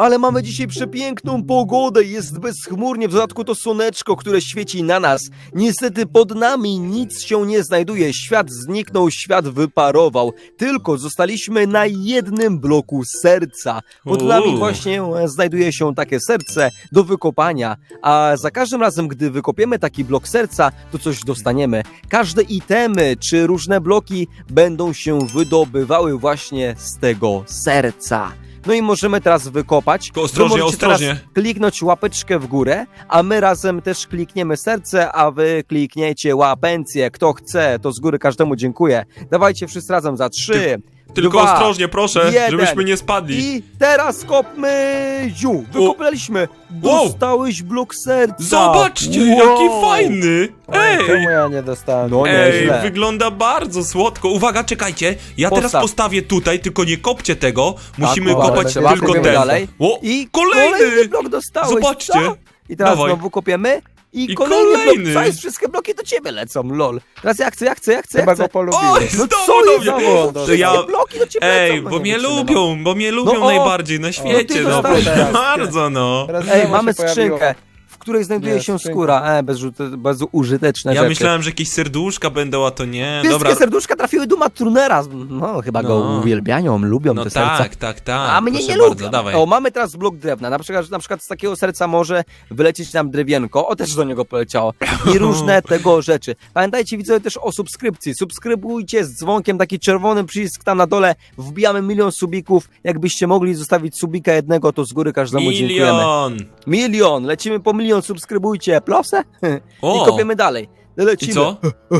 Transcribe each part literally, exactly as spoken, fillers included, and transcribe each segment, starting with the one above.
Ale mamy dzisiaj przepiękną pogodę, jest bezchmurnie, w dodatku to słoneczko, które świeci na nas. Niestety pod nami nic się nie znajduje, świat zniknął, świat wyparował. Tylko zostaliśmy na jednym bloku serca. Pod nami Uuu. właśnie znajduje się takie serce do wykopania, a za każdym razem, gdy wykopiemy taki blok serca, to coś dostaniemy. Każde itemy czy różne bloki będą się wydobywały właśnie z tego serca. No i możemy teraz wykopać. Tylko ostrożnie, Wy możecie ostrożnie. teraz kliknąć łapeczkę w górę, a my razem też klikniemy serce, a wy klikniecie łapencję. Kto chce, to z góry każdemu dziękuję. Dawajcie wszyscy razem za trzy, Tylko dwa, ostrożnie, proszę, jeden. żebyśmy nie spadli. I teraz kopmy! Ziu! Wykopaliśmy! Wow. Dostałeś blok serca! Zobaczcie, Wow. jaki fajny! Ej! Czemu ja nie dostałem? No Ej, nieźle. wygląda bardzo słodko. Uwaga, czekajcie. Ja teraz Postaw. postawię tutaj, tylko nie kopcie tego. Musimy Tak, o, kopać trzeba, tylko kopimy ten. dalej. O, I kolejny! blok dostałeś! Zobaczcie. Co? I teraz Dawaj. znowu kopiemy. I, I kolejny, kolejny. blok. Co jest? Wszystkie bloki do ciebie lecą, lol. Teraz ja chcę, ja chcę, ja chcę, ja Chyba chcę. go polubiłem. Oj, No znowu co do jest? mnie. Znowu, To wszystkie ja- bloki do ciebie Ej, lecą. No bo nie mnie wytrzymam. lubią, bo mnie lubią No o. najbardziej na świecie. ty No, dostałeś proszę teraz. bardzo, no. Teraz Ej, znowu mamy się pojawiło. skrzynkę, w której znajduje Nie, się skrzynka. skóra. E, bezrzuty- bezużyteczne Ja rzeczy. myślałem, że jakieś serduszka będą, a to nie. Wszystkie Dobra. serduszka trafiły do Maturnera. No, chyba go No. uwielbiają, lubią No te serca. tak, tak, tak. A mnie Proszę nie bardzo, lubią. dawaj. O, mamy teraz blok drewna. Na przykład, na przykład z takiego serca może wylecieć nam drewienko. O, też do niego poleciało. I różne tego rzeczy. Pamiętajcie, widzowie, też o subskrypcji. Subskrybujcie z dzwonkiem, taki czerwony przycisk tam na dole. Wbijamy milion subików. Jakbyście mogli zostawić subika jednego, to z góry każdemu dziękujemy. Milion! Milion! Lecimy po milion, subskrybujcie. Plosę? O! I kopiemy dalej. Lecimy. I co?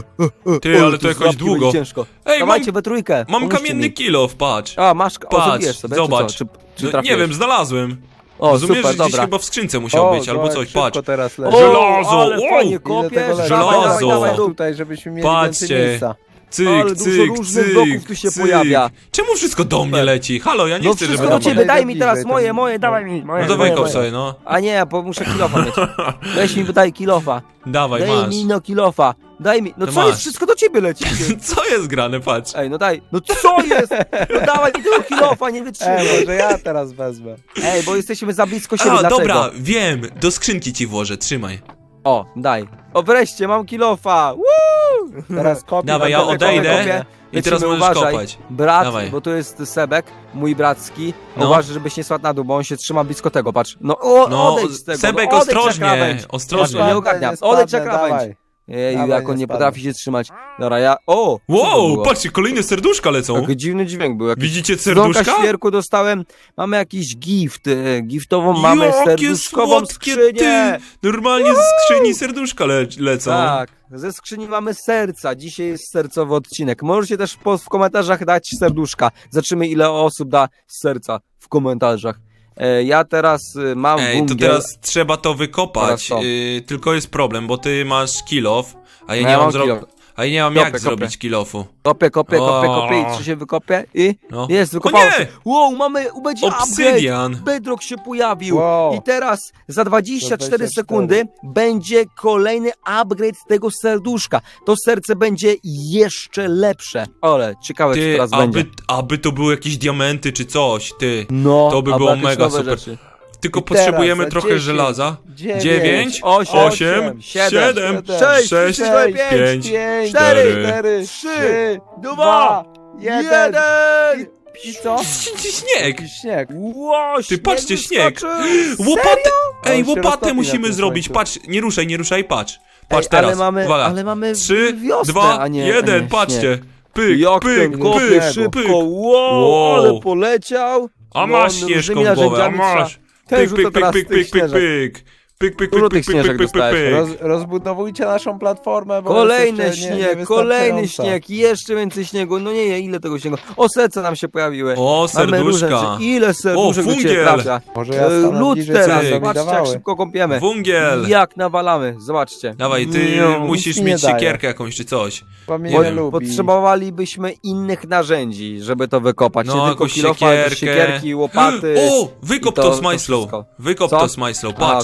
O, Ty, ale tu to jakoś z łapki długo. będzie ciężko. Ej, Dawajcie mam, we trójkę. mam pomóżcie kamienny mi. kilof, patrz. A, masz, o, Patrz, zabijesz sobie, zobacz. czy co? Czy, czy No, nie trafiłeś? wiem, znalazłem. O, Rozumiesz, super, że gdzieś dobra. chyba w skrzynce musiał O, być, albo zobacz, coś, szybko patrz. teraz O, leży. Żelazo! ale Wow! fajnie Ile kopiesz, tego leży? dawaj, dawaj, Żelazo! dawaj, dawaj. Tutaj, żebyśmy mieli Patrzcie. więcej miejsca. Cyk, Ale dużo cyk, różnych cyk, bloków tu się cyk. pojawia. Czemu wszystko do mnie leci? Halo, ja nie No chcę, wszystko żeby do do ciebie, mnie... daj mi teraz Bliżej, moje, to- moje, dawaj mi, moje, No to moje, wykop moje. sobie, no. A nie, bo muszę kilofa mieć. Weź mi, daj kilofa. Dawaj, Daj masz. mi no kilofa. Daj mi, no To co masz. jest, wszystko do ciebie leci. Co jest grane, patrz. Ej, no daj, no co jest? No dawaj mi tego kilofa, nie Ej, wytrzymaj. może ja teraz wezmę. Ej, bo jesteśmy za blisko siebie, A, dlaczego? dobra, wiem. Do skrzynki ci włożę, trzymaj. O, daj. O, wreszcie, mam kilofa. Woo! Teraz kopię. Dawaj, ja kopię, odejdę. kopię, kopię. I teraz Lecimy, możesz uważaj. kopać. Brat, Dawaj. bo to jest Sebek, mój bracki. No. Uważaj, żebyś nie spadł na dół, bo on się trzyma blisko tego, patrz. No, o, No, odejdź z tego. Sebek, no, odejdź na ostrożnie, krawędź. ostrożnie. Ja nie Spadnę, ogarniam. nie spadnę, Odejdź na krawędź. dawaj. Ej, Dawaj, jak on nie nie spadnę. potrafi się trzymać. Dobra, ja... O! co to Wow, było? patrzcie, kolejne serduszka lecą. Taki dziwny dźwięk był. Jakiś... Widzicie Z dzwonka serduszka? świerku dostałem, mamy jakiś gift, e, giftową mamy Jakie serduszkową słodkie, skrzynię. ty! Normalnie z skrzyni serduszka le lecą. Tak, ze skrzyni mamy serca, dzisiaj jest sercowy odcinek. Możecie też po, w komentarzach dać serduszka. Zobaczymy, ile osób da serca w komentarzach. E, ja teraz e, mam Ej, to wungiel. teraz trzeba to wykopać. Teraz to. Yy, tylko jest problem, bo ty masz kilof, a ja No nie ja mam mam zrobić. kilof. A ja nie mam Kopię, jak kopię. zrobić kilofu. Kopię, kopię, kopię, O. kopię i czy się wykopie? I No. jest, O wykopało nie! się. Wow, mamy, będzie upgrade. Obsydian. Bedrock się pojawił. Wow. I teraz za dwadzieścia cztery Za dwadzieścia cztery. sekundy będzie kolejny upgrade tego serduszka. To serce będzie jeszcze lepsze. Ale ciekawe, czy Ty, teraz będzie. aby, aby to były jakieś diamenty czy coś, ty. No, to by albo było jakieś mega nowe super. Rzeczy. Tylko I teraz potrzebujemy za trochę dziesięć, żelaza. dziewięć, Dziewięć, osiem, osiem, siedem, siedem, sześć, sześć, cztery, pięć, pięć, cztery, cztery, trzy, dwa, dwa, jeden. jeden. I co? Śnieg! I śnieg. Wow, Ty, patrzcie, śnieg. wyskoczył. Łopatę! Ej, On się łopatę roztopi na musimy tym zrobić. słońcu. Patrz, nie ruszaj, nie ruszaj, patrz. Patrz Ej, teraz. ale mamy, Uwaga. ale mamy Trzy, wiosnę, dwa, a nie, a jeden, nie patrzcie. śnieg. Pyk, Jak pyk, ten kopie pyk, szybko, pyk. wow, Wow. ale poleciał. A No, masz różnymi śnieżką w głowę, a narzędziami masz. trzeba- Ten Pyk, rzuca pyk, pyk, teraz pyk, tych pyk, pyk, śnieżek. pyk. Pyk, pyk, Dużo pyk, tych pyk, pyk, śnieżek pyk, pyk, dostałeś. pyk. Roz, rozbudowujcie naszą platformę, bo Kolejny jest jeszcze nie- śnieg, kolejny niewystarczająca. śnieg, jeszcze więcej śniegu. No nie, nie, ile tego śniegu. O, serca nam się pojawiły. O, Mamy różne serduszka. rzeczy. Ile serduszek do ciebie fungiel. trafia. Może ja E, stanę Lód bliżej, teraz, co nam patrzcie jak dawały. szybko kąpiemy. Wungiel. Jak nawalamy, zobaczcie. Dawaj, ty No, musisz nic mi mieć nie daje. siekierkę jakąś czy coś. Bo mnie Nie nie wiem. lubi. Potrzebowalibyśmy innych narzędzi, żeby to wykopać. No, nie tylko jakąś kilofa, ale też siekierkę. siekierki, łopaty. O, wykop i to, to- z to Majslow. wszystko. Wykop Co? to z Majslow. A, Patrz, okej, co kopię, będziemy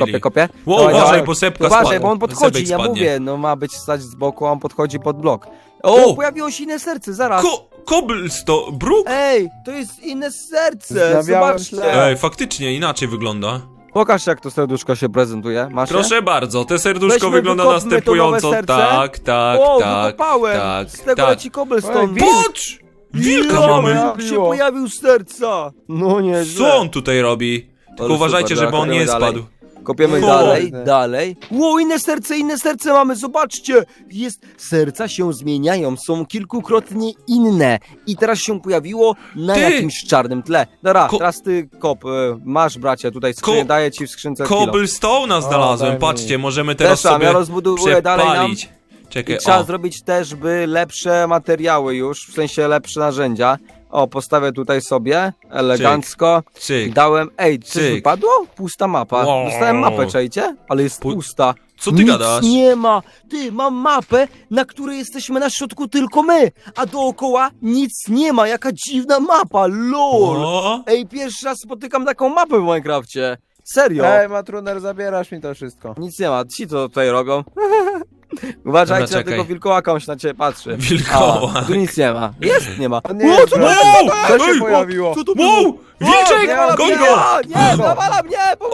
kopię, kopię. Wow, Dawaj, uważaj, dawaj. bo sepka Uważaj, spadnie. bo on podchodzi, Sebek ja spadnie. mówię, no ma być stać z boku, a on podchodzi pod blok. O, O! pojawiło się inne serce, zaraz. Ko Cobblestone, bruk? Ej, to jest inne serce, Na białym zobaczcie. tle. Ej, faktycznie inaczej wygląda. Pokaż, jak to serduszko się prezentuje, masz je? Proszę bardzo, te serduszko Weźmy, wygląda wykopmy to następująco. nowe serce. Tak, tak, O, tak. wykopałem, tak, z tego tak. leci cobblestone. Ej, wilk. Patrz! Wilka Wilk mamy! się pojawił z serca. No nie, Co on tutaj robi? Tylko Ale uważajcie, super, żeby on kopiemy nie dalej. spadł. Kopiemy O, dalej, kurde. dalej. Ło, inne serce, inne serce mamy, zobaczcie! Jest, serca się zmieniają, są kilkukrotnie inne. I teraz się pojawiło na Ty! jakimś czarnym tle. Dobra, Ko- teraz ty kop, e, masz bracie, tutaj skrzynię, Ko- daję ci w skrzynce kilo. Cobblestone'a znalazłem, daj mi. patrzcie, możemy teraz Też tam, ja sobie rozbuduję dalej nam. przepalić. I Czekaj, trzeba o. zrobić też by lepsze materiały już, w sensie lepsze narzędzia. O, postawię tutaj sobie, elegancko. Cyk. Dałem, ej, coś Cyk. wypadło? Pusta mapa. Wow. Dostałem mapę, czajcie? Ale jest Pu- pusta. Co ty Nic gadasz? nie ma. Ty, mam mapę, na której jesteśmy na środku tylko my, a dookoła nic nie ma. Jaka dziwna mapa, lol. O, Ej, pierwszy raz spotykam taką mapę w Minecrafcie. Serio. Ej, Matruner, zabierasz mi to wszystko. Nic nie ma, ci co tutaj robią. Uważajcie, Dobra, na czekaj. tego wilkołaka, on się na ciebie patrzy. Wilkołak. A, tu nic nie ma. Jest, nie ma. O nie, O, co bro. Wow! Co się Ej, pojawiło? Co to Wow! było? Wilczek! nie, Goń nie, go! Nie, nawala mnie! O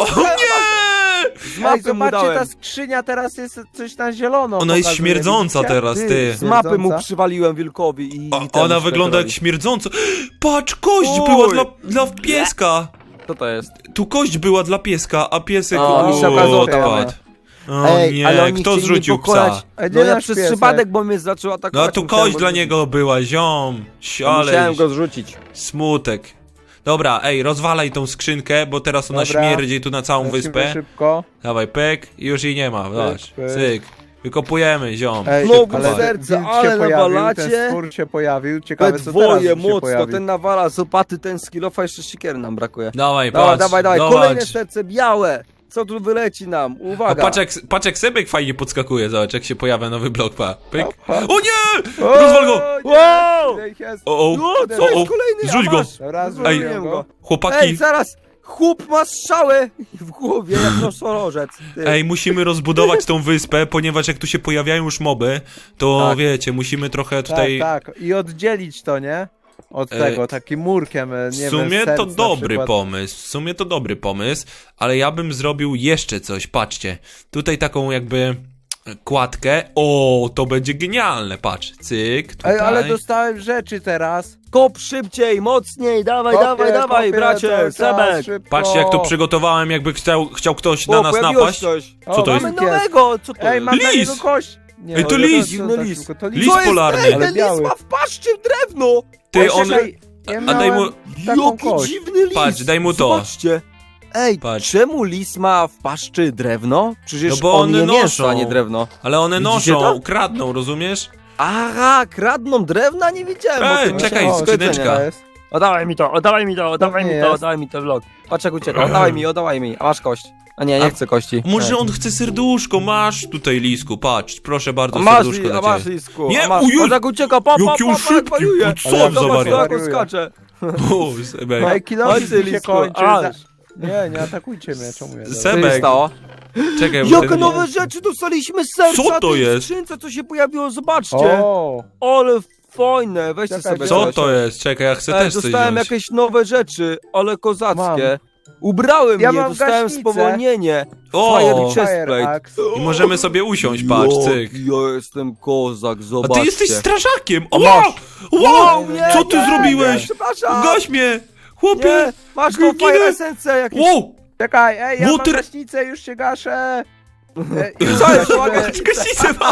nie! Z Ej, mapy mu zobaczcie, dałem. ta skrzynia teraz jest coś na zielono. Ona jest pokazuje, śmierdząca widzicie? teraz, ty. Z mapy mu Śmierdząca? przywaliłem wilkowi i... O, i ten ona świat wygląda jak robi. śmierdząco. Patrz, kość Oj. była dla, dla pieska. Co to jest? Tu kość była dla pieska, a piesek O, mi się o, okazało, odpadł. O Ej, nie, ale oni kto chcieli zrzucił mnie pokonać. psa? Ej, No gdzie ja nasz przez piesek? przypadek, bo mnie zaczął No atakować. a tu musiałem kość go dla zrzucić. niego była, ziom. Musiałem Siale, go zrzucić. smutek. Dobra, ej, rozwalaj tą skrzynkę, bo teraz ona Dobra. śmierdzi tu na całą Lecimy wyspę. szybko. Dawaj, pyk, i już jej nie ma, zobacz, pyk. cyk. Wykopujemy, ziom. Ej, Znowu ale serce, wilk ale się pojawił, nawalacie. ten stwór się pojawił. Ciekawe, We co teraz dwoje się mocno, pojawi. ten nawala z opaty, ten skillofa, jeszcze siekiery nam brakuje. Dawaj, Dawaj, patrz, dawaj, dawaj, zobacz. kolejne serce białe. Co tu wyleci nam? A Uwaga. patrz jak, patrz jak Sebek fajnie podskakuje, zobacz jak się pojawia nowy blok, pa. Pyk. Opa. O nie! O, Rozwal go! nie, Wow! ile ich jest? O, o, No, co o, o. jest kolejny? A Zrzuć go. masz. Dobra, Zwolniłem zrzuciłem go. go. Chłopaki, Ej, zaraz! Chłop ma strzałę w głowie, jak nosorożec. Ty. ej, musimy rozbudować tą wyspę, ponieważ jak tu się pojawiają już moby, to Tak. wiecie, musimy trochę tutaj... Tak, tak. I oddzielić to, nie? Od E, tego, takim murkiem, e, nie W sumie wiem, to serc na dobry przykład. pomysł, w sumie to dobry pomysł, ale ja bym zrobił jeszcze coś, patrzcie. Tutaj taką jakby kładkę, o, to będzie genialne, patrz, cyk, tutaj. Ej, ale dostałem rzeczy teraz. Kop szybciej, mocniej, dawaj, Kopię, dawaj, dawaj, kopię bracie, cały czas, Sebek. szybko. Patrzcie jak to przygotowałem, jakby chciał, chciał ktoś na O, nas pojawiło napaść. się coś. O, Co to jest? Mamy wilk nowego, co to Ej, jest? mam na Lis! niego kość. Nie, Ej, to no, lis! to- to- Dziwny to- lis. to- to Lis lis. Co jest? polarny. Ej, Ale ten biały. lis ma w paszczy drewno. Ty, Ej, on... czekaj, ja a daj mu- miałem taką Jaki kość. dziwny lis. Patrz, daj mu to. Zobaczcie. Ej, Patrz. czemu lis ma w paszczy drewno? Przecież No bo on one je mięso, noszą. a nie drewno. Ale one Widzicie noszą, to? ukradną, rozumiesz? Aha, kradną drewna? Nie wiedziałem. bo Ej, to mi czekaj, się- O, skrzyneczka. to jest. Oddawaj mi to, oddawaj mi to, oddawaj nie mi to, jest. oddawaj mi to vlog. Patrz jak ucieka, oddawaj mi, oddawaj mi. A masz kość. A nie, nie A- chcę kości. Może on chce serduszko, masz tutaj lisku, patrz, proszę bardzo, A masz, serduszko li, dla a masz ciebie. lisku. Nie, a masz. o Jezu, Patrz jak ucieka, pa, pa, pa, jaki pa, on jak szybki, wariuje. co Ale on za Zobacz, wariat? jak on skacze. O, Sebek. Ej, kilofik Chodź, ty, mi się lisku, kończy. aż. za- Nie, nie atakujcie mnie, czemu ja? Se- Co się Sebek. stało? Czekaj, bo Jakie tego- nowe rzeczy dostaliśmy z serca. Co to tej jest? skrzynce, co się pojawiło, zobaczcie. O, Ale fajne, weźcie Czekaj, sobie Co coś. to jest? Czekaj, ja chcę Ej, też coś dostałem wziąć. jakieś nowe rzeczy, ale kozackie. Ubrałem Ja je, mam dostałem gaśnicę. spowolnienie. O! Fire Fire chestplate. Axe. I możemy sobie usiąść, patrz, cyk. Ja jestem kozak, A zobaczcie. ty jesteś strażakiem! O, masz. wow! Wow, nie, Co ty nie, zrobiłeś? Nie, przepraszam. Gaś mnie! Chłopie! Nie, masz tą Ginę. fire esencję jakieś. Wow! Czekaj, ej, ja Water- mam gaśnicę, już się gaszę. Ej, Co jest? gasimy. Gaśnicę mam!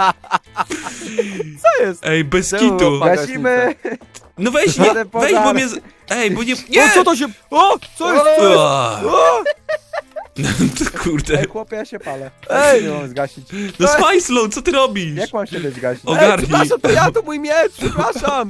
Co jest? Ej, bez Czemu kitu! łapa- Gasimy. No weź, nie, Jadę weź, bo pożar. mnie... z- Ej, bo nie... O, Nie! co to się... O, co jest? Co jest? Ua. O, To kurde. Ej, chłopie, ja się palę. Ej. Jak nie mam zgasić? No Smajslow, co ty robisz? Jak mam się dać zgasić? O, Ej, Ogarnij. przepraszam, to ja, to mój miecz, przepraszam.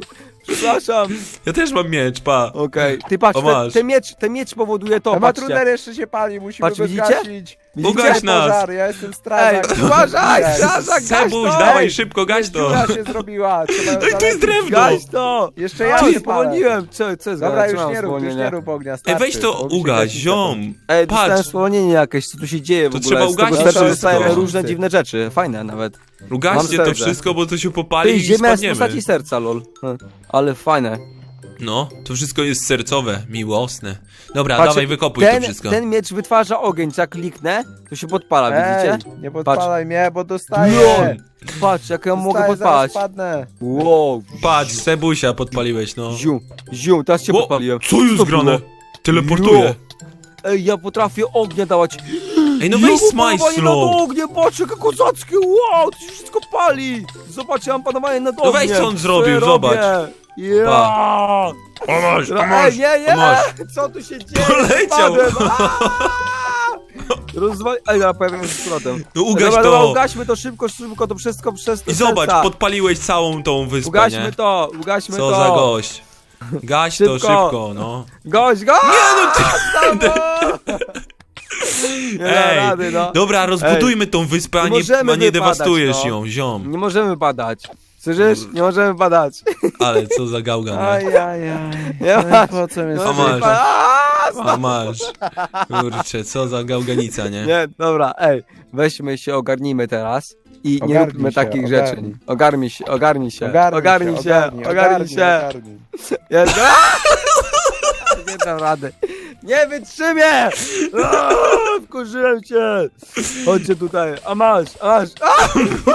Przepraszam. Ja też mam miecz, pa. Okej, ty patrz, O, ten, masz. ten, miecz, ten miecz powoduje to, A patrzcie. matruner jeszcze się pali, musimy Patrz, go widzicie? zgasić. Ugaś Widzicie nas. pożar, ja jestem Ej, strażak. uważaj, Ej, strażak, gaś Sebuś, to! dawaj ej! szybko, gaś to. Dziura się zrobiła. Trzeba ją Ej, tu jest zalecić. drewno. Gaś to! Jeszcze ja Oj, się palę. spowolniłem, co, co jest Dobra, gadać? już Trzymam nie rób, już spowolnienie. nie rób ognia, Ej, starczy, weź to bo mi się ugaś, gaśnica ziom. Ej, dostałem Patrz, spowolnienie jakieś, co tu się dzieje w To ogóle? trzeba Z tego ugasić serca wszystko. dostajemy różne dziwne rzeczy, fajne nawet. ugaście Mam to serce. wszystko, bo to się popali Ty, i ziemia jest w spadniemy. postaci serca, lol. Hm, ale fajne. No, to wszystko jest sercowe, miłosne. Dobra, Patrzcie, dawaj, wykopuj ten, to wszystko. ten miecz wytwarza ogień, co jak kliknę, to się podpala, widzicie? Ej, nie podpalaj mnie, bo dostaję. Lol. Patrz, jak ja mogę Dostaję, podpalać. zaraz padnę. Wow, Patrz, Sebusia podpaliłeś, no. ziu, ziu, teraz się Ło, podpaliłem. co jest to grane? było? Teleportuje. Ej, ja potrafię ognia dawać. Ej, no Ja weź mam smaj panowanie slow. nad ogniem, patrz, jakie kozackie, wow, to się wszystko pali. Zobacz, ja mam panowanie nad ogniem. No weź, co on Co zrobił, ja zobacz. robię? Ja. O masz, o Ej, masz, nie, nie, o masz. co tu się dzieje? Poleciał. Spadłem. Rozwal... Ej, dobra, pojawiam się z powrotem. No ugaś dobra, dobra, to. ugaśmy to szybko, szybko, to wszystko przez te I zobacz, serca. podpaliłeś całą tą wyspę, Ugaśmy nie? to, ugaśmy Co to. za gość. Gaś to Szybko. szybko, no. Gość, gość! Nie, no ty... Nie da Ej, rady, no. Dobra, rozbudujmy tą wyspę, a Nie nie, możemy a nie wypadać, dewastujesz no. ją, ziom. Nie możemy badać. Słyszysz? Nie możemy badać. Ale co za gałgan. nie? Ajajaj. Nie No masz. i po co mnie Nie A możemy masz. badać. Aaa, A stop. masz. Kurczę, co za gałganica, nie? Nie, dobra, ej, weźmy się, ogarnijmy teraz i nie Ogarnij róbmy się, takich ogarnij. rzeczy. Ogarnij się, ogarnij się, Ogarnij, ogarnij się, ogarnij, ogarnij się. ogarnij. Jest. Aaa! Nie dam rady. Nie wytrzymię! Aaa, wkurzyłem cię! Chodźcie tutaj, a masz, a masz. A!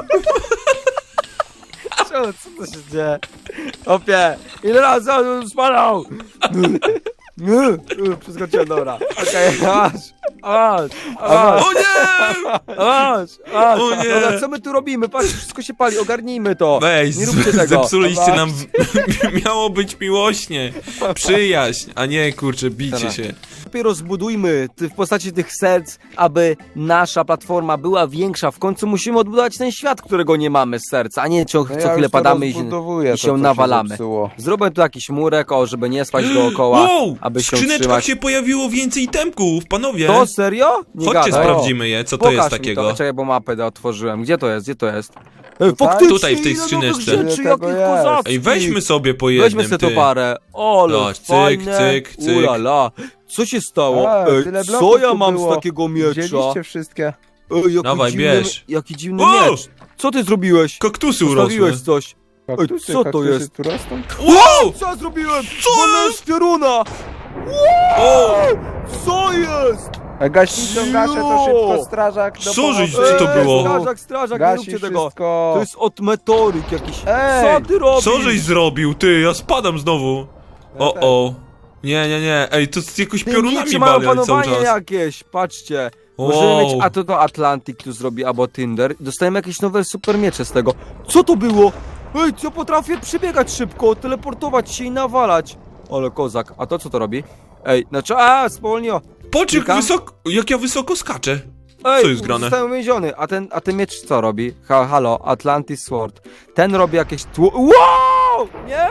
Czemu, co to się dzieje? Opie, ile razy on spadał? Przeskoczyłem, dobra. Okej, a masz, a masz, a masz. O nie! A masz, a masz. O nie! Dobra, co my tu robimy? Patrz, wszystko się pali, ogarnijmy to. Weź, Nie róbcie tego. zepsuliście nam... Miało być miłośnie. Przyjaźń, a nie, kurczę, bicie Dobra. się. Lepiej rozbudujmy ty- w postaci tych serc, aby nasza platforma była większa. W końcu musimy odbudować ten świat, którego nie mamy z serca, a nie co, No co ja chwilę już to padamy i się, rozbudowuję, i to, się co nawalamy. zepsuło. Zrobię tu jakiś murek, o, żeby nie spać dookoła, Wow! aby W się skrzyneczkach utrzymać. się pojawiło więcej temków, panowie. To serio? Nie Chodźcie, gadaj. sprawdzimy je, co to Pokaż jest mi takiego. To. Czekaj, bo mapę da- otworzyłem. Gdzie to jest? Gdzie to jest? Ej, Tutaj? faktycznie, Tutaj, w tej ile skrzyneczce. nowych rzeczy, Ile tego jakich jest? kozackich. Ej, weźmy sobie po jednym, Weźmy sobie ty. to parę. O, Zobacz, cyk, fajne. cyk, cyk. Ulala. Co się stało? A, Ej, tyle co bloków ja tu mam było. z takiego miecza? Wzięliście wszystkie. Ej, jaki Dawaj, dziwny, bierz. Jaki dziwny O! miecz. Co ty zrobiłeś? Kaktusy urosły. Zostawiłeś coś. Kaktusy, co to kaktusy jest? tu rosną? Wow! Co ja zrobiłem? Co Wolę jest? z pioruna. O! Co jest? A gaśnicą gaszę, to szybko strażak do Co żeś- pomocy. co to Ej, było? Strażak, strażak, nie Gasi róbcie tego. wszystko. To jest od meteoryt jakiś. Ej! Co ty robisz? Co żeś zrobił, ty? Ja spadam znowu. O, o. Nie, nie, nie. Ej, to z jakoś piorunami Piorunami mają bali cały panowanie czas. jakieś, patrzcie. Możemy Wow. mieć, a to to Atlantic tu zrobi, albo Tinder. Dostajemy jakieś nowe super miecze z tego. Co to było? Ej, co potrafię przebiegać szybko, teleportować się i nawalać. Ale kozak, a to co to robi? Ej, znaczy, a, spowolniło. Patrz, jak, Kilka? wysoko, jak ja wysoko skaczę. Ej, Co jest grane? Zostałem uwięziony, a ten, a ten miecz co robi? Ha, halo, Atlantis Sword. Ten robi jakieś tło... Wow! Nie!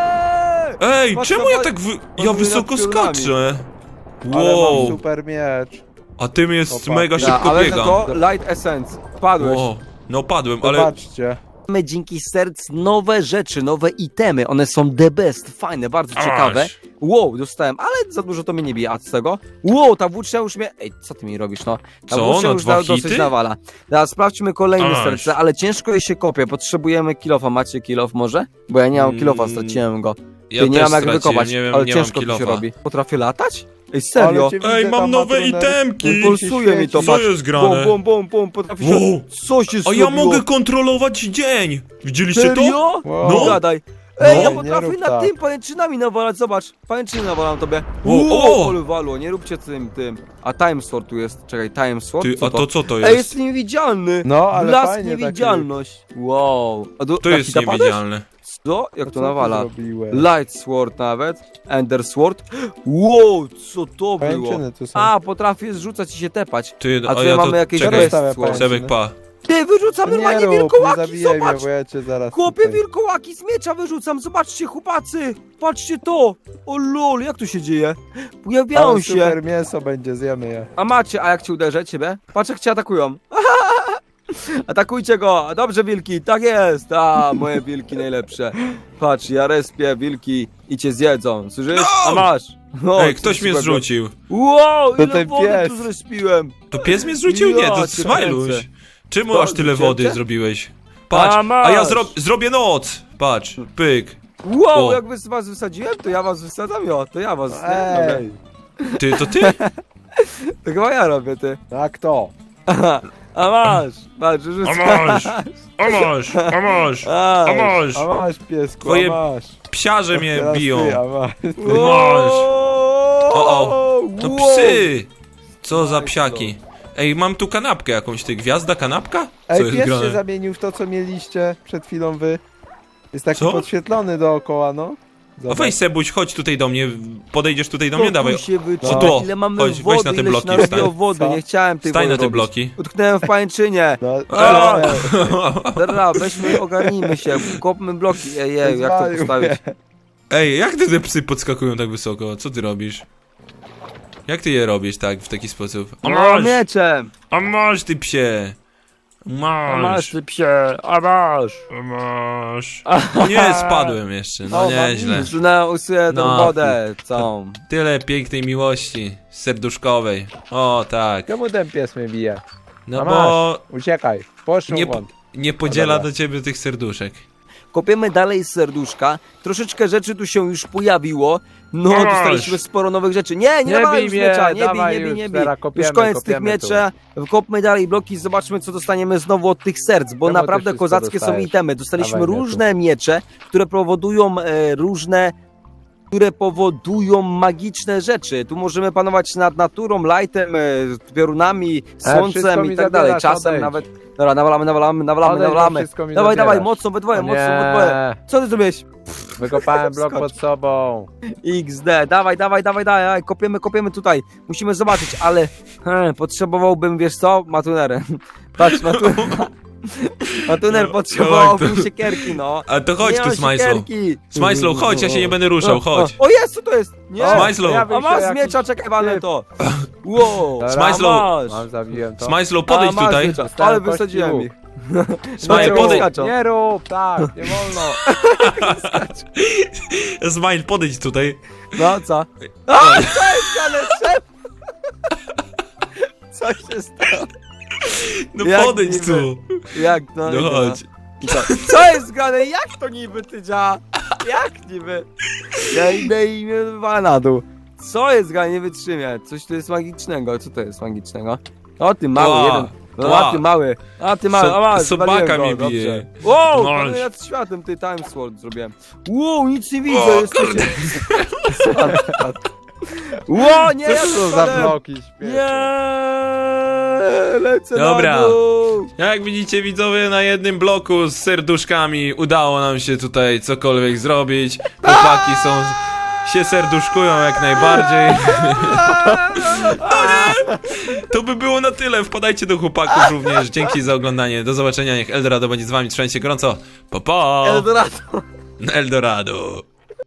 Ej, Patrz, czemu to ja pa- tak wy... Ja podwójne wysoko piorunami. skaczę? Ale mam Wow. super miecz. A tym jest Opa. mega Ja, szybko ale biegam. to Light Essence. Padłeś. Wow. No padłem, ale... Zobaczcie. Mamy dzięki serc nowe rzeczy, nowe itemy. One są the best, fajne, bardzo ciekawe. Aż. Wow, dostałem, ale za dużo to mnie nie bije. A z tego? Wow, ta włócznia już mnie... Ej, co ty mi robisz, no? Ta Co, włócznia na już dwa da, dosyć hity? nawala. Teraz sprawdźmy kolejne Aż. serce, ale ciężko je się kopie. Potrzebujemy kilofa. Macie kilof może? Bo ja nie mam kilofa, Mm, straciłem go. Ja Ty nie też mam jak straciłem, wykopać, nie wiem, ale nie mam ciężko to się kilofa. robi. Potrafię latać? Ej, serio? Ale cię widzę Ej, tam, mam nowe Matruner. itemki! Pulsuje mi to, Co patrz. jest grane? Bum, bum, bum, bum, potrafię się... Wow. Co się A zrobiło? ja mogę kontrolować dzień! Widzieliście to? Serio? Wow. No. No. Gadaj. Ej, No. ja Nie potrafię rób na tak. tym pajęczynami nawalać, zobacz. Pajęczyny nawalam tobie. O, Wow, o! ale walło, nie róbcie tym, tym. A Time Sword tu jest, czekaj, Time Sword? Ty, Co a to co to Ej, jest? jest niewidzialny. No, ale Blask fajnie niewidzialność. Wow. A do, To jaki jest napadłeś? niewidzialne. Co? Jak taki... to nawala? Zrobiłeś? Light Sword nawet. Ender Sword. Wow, co to było? Pajęczyny tu są. A, potrafię zrzucać i się tepać. Ty, A a tutaj ja mamy to... jakieś Czekaj, Rozstawia Sword. pajęczyny. Sebek, pa. Ty, wyrzucam Nie normalnie rób, nie wilkołaki, zabijaj mnie, zobacz! bo ja cię zaraz Chłopie, tutaj... wilkołaki z miecza wyrzucam, zobaczcie, chłopacy! Patrzcie to! O lol, jak to się dzieje? Pojawiają Ale się. super mięso będzie, zjemy je. A macie, a jak cię uderzę, ciebie? Patrz, jak cię atakują. Atakujcie go! Dobrze, wilki, tak jest! A, moje wilki najlepsze. Patrz, ja respię wilki i cię zjedzą, słyszysz? A masz! No, Ej, coś ktoś mnie złego. zrzucił. Wow, To ile ten wody pies. tu zrespiłem! To pies mnie zrzucił? Nie, Ja to cię Smajluś. kręcę. Czemu To aż tyle zrzuciłem wody cię? zrobiłeś? Patrz, A, a, masz. ja zro zrobię noc. Patrz, pyk. Wow, O. jak wys- was wysadziłem, to ja was wysadzam, jo, to ja was, nie? Dobra. Ej, Ty, to ty? To chyba ja robię, ty. a kto? A masz, patrz, A rzucam. masz, a masz, a masz, a masz. A masz, piesku, Twoje a masz. Psiarze mnie Teraz biją. Ty, a masz. Masz. O, o. To psy! Co za psiaki. Ej, mam tu kanapkę jakąś, ty. Gwiazda kanapka? Co Ej, jest pies się grane? zamienił w to, co mieliście przed chwilą wy. Jest taki Co? podświetlony dookoła, no. No Zobacz. weź Sebuś, chodź tutaj do mnie. Podejdziesz tutaj do To mnie, dawaj. tu się wyczyta, O, tu. ile mamy Chodź, weź wody, na te ile bloki, się narobiło wstań. wody, Co? nie chciałem tej Stań wody na te robić. bloki. Utknęłem w pańczynie. No, A! ale- Dobra, weźmy, ogarnijmy się, kopmy bloki. Ej, ej, jak to Zwalił postawić? mnie. Ej, jak ty te psy podskakują tak wysoko? Co ty robisz? Jak ty je robisz tak, w taki sposób? A No, masz, mieczem. a masz ty psie. A masz, Masz, ty psie, a masz. a masz. O nie, spadłem jeszcze, no O, mam nieźle. Usunę, usuję tą No. wodę całą. Tyle pięknej miłości, serduszkowej. O tak. Czemu ten pies mnie bije? No A bo Uciekaj, poszło nie, won. nie podziela dobra. do ciebie tych serduszek. Kopiemy dalej z serduszka. Troszeczkę rzeczy tu się już pojawiło. No, Masz. dostaliśmy sporo nowych rzeczy. Nie, nie, Nie dawaj bij już mnie, miecza, nie bij, dawaj nie bij, już, nie bij. teraz kopiemy, Już koniec tych kopiemy tu. mieczy. Kopmy dalej bloki, zobaczmy co dostaniemy znowu od tych serc, bo Czemu ty naprawdę wszystko kozackie są dostajesz? itemy. Dostaliśmy Dawaj mieczu. różne miecze, które powodują e, różne które powodują magiczne rzeczy. Tu możemy panować nad naturą, lightem, e, piorunami, wszystko słoncem mi i tak dalej. zabierasz, Czasem odejdź. nawet. Dobra, nawalamy, nawalamy, nawalamy, Odejdź, bo nawalamy. wszystko mi Dawaj, dawaj, zabierasz. mocno we dwoje, O mocno we nie. dwoje. Co ty zrobiłeś? Wykopałem blok Skocz. pod sobą. iks de, dawaj, dawaj, dawaj, dawaj, kopiemy, kopiemy tutaj. Musimy zobaczyć, ale hmm, potrzebowałbym, wiesz co, matunerę. Patrz, matuner. Matuner No, potrzebowałbym no, to- siekierki, no. A to chodź Nie tu, mam Smajslow. siekierki. Smajslow, chodź, ja się nie będę ruszał, chodź. O, o jest, co to jest? Nie. O, Smajslow. pojawił A się masz z jakiś miecza, czekaj, walę typ. to. Wow. Dobra, Smajslow. masz. Mam, zabiłem to. Smajslow, A, podejdź masz tutaj. miecza. Dostałem Ale kości wysadziłem łuk. ich. Smajl, Nie podejdź. rób, nie rób, tak, nie wolno. Smile, podejdź tutaj. No, co? A, co jest, ale szef? Co się stało? No Jak podejdź niby? tu. Jak to? No chodź. I Co? Co jest grane? Jak to niby ty działa? Jak niby? Ja idę i mnie wywala na dół. Co jest grane? Nie wytrzymię. Coś tu jest magicznego. Co to jest magicznego? O ty mały Ła. jeden. No, Ła. a ty mały. A ty mały. So- a masz, sobaka zwaliłem mnie go, bije. dobrze. Wow, Masz. panuję nad światem, ty time sword zrobiłem. Wow, nic nie widzę. O, Jesteście... Ło, nie, Co ja to za spadłem. bloki śmieszne? Nie, lecę Dobra. na dół. Jak widzicie, widzowie, na jednym bloku z serduszkami udało nam się tutaj cokolwiek zrobić. Chłopaki są... się serduszkują jak najbardziej. To by było na tyle. Wpadajcie do chłopaków również. Dzięki za oglądanie. Do zobaczenia. Niech Eldorado będzie z wami. Trzymajcie się gorąco. Pa, pa. Eldorado. Eldorado.